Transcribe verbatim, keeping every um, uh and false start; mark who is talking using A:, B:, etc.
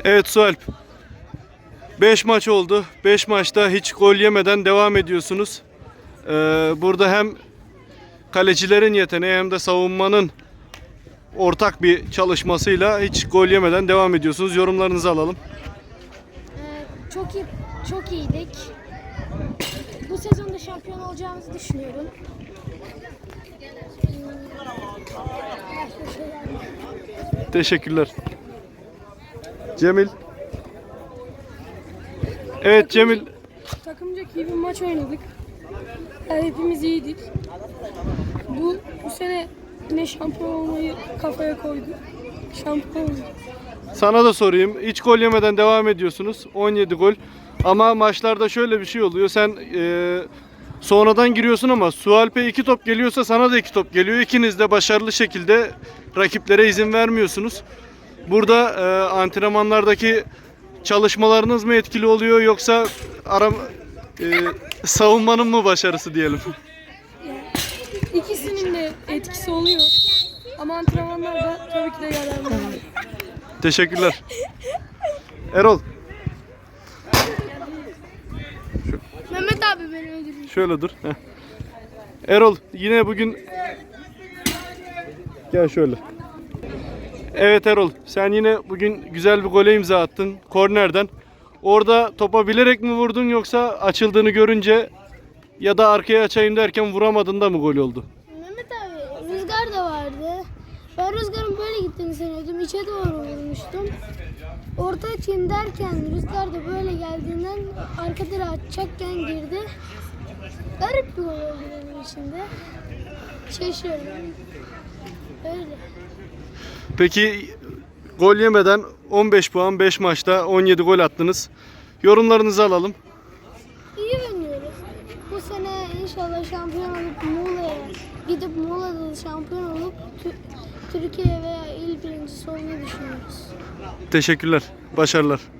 A: Evet Sualp. beş maç oldu. beş maçta hiç gol yemeden devam ediyorsunuz. Ee, burada hem kalecilerin yeteneği hem de savunmanın ortak bir çalışmasıyla hiç gol yemeden devam ediyorsunuz. Yorumlarınızı alalım.
B: Ee, çok iyi, çok iyiydik. Bu sezonda şampiyon olacağımızı düşünüyorum.
A: Teşekkürler. Cemil. Evet Cemil.
C: Takımca iyi bir maç oynadık. Yani hepimiz iyiydik. Bu bu sene yine şampiyon olmayı kafaya koyduk. Şampiyon olduk.
A: Sana da sorayım. Hiç gol yemeden devam ediyorsunuz. on yedi gol. Ama maçlarda şöyle bir şey oluyor. Sen e, sonradan giriyorsun ama Sualp'e iki top geliyorsa sana da iki top geliyor. İkiniz de başarılı şekilde rakiplere izin vermiyorsunuz. Burada e, antrenmanlardaki çalışmalarınız mı etkili oluyor yoksa aram, e, savunmanın mı başarısı diyelim?
C: İkisinin de etkisi oluyor. Ama antrenmanlarda tabii ki de yararlı oluyor.
A: Teşekkürler. Erol.
B: Mehmet abi beni öldürüyor.
A: Şöyle dur. Heh. Erol yine bugün gel şöyle. Evet Erol, sen yine bugün güzel bir gole imza attın kornerden. Orada topa bilerek mi vurdun yoksa açıldığını görünce ya da arkaya açayım derken vuramadın da mı gol oldu?
B: Mehmet abi rüzgar da vardı. Ben rüzgarın böyle gittiğini sanıyordum. İçe doğru vurmuştum. Orta açayım derken rüzgar da böyle geldiğinden arka direğe atacakken girdi. Garip bir gol oldu benim için de. Şaşırdım. Öyle.
A: Peki gol yemeden on beş puan beş maçta on yedi gol attınız. Yorumlarınızı alalım.
B: İyi oynuyoruz. Bu sene inşallah şampiyon olup Muğla'ya gidip Muğla'da da şampiyon olup Tü- Türkiye veya il birincisi olmayı düşünüyoruz.
A: Teşekkürler. Başarılar.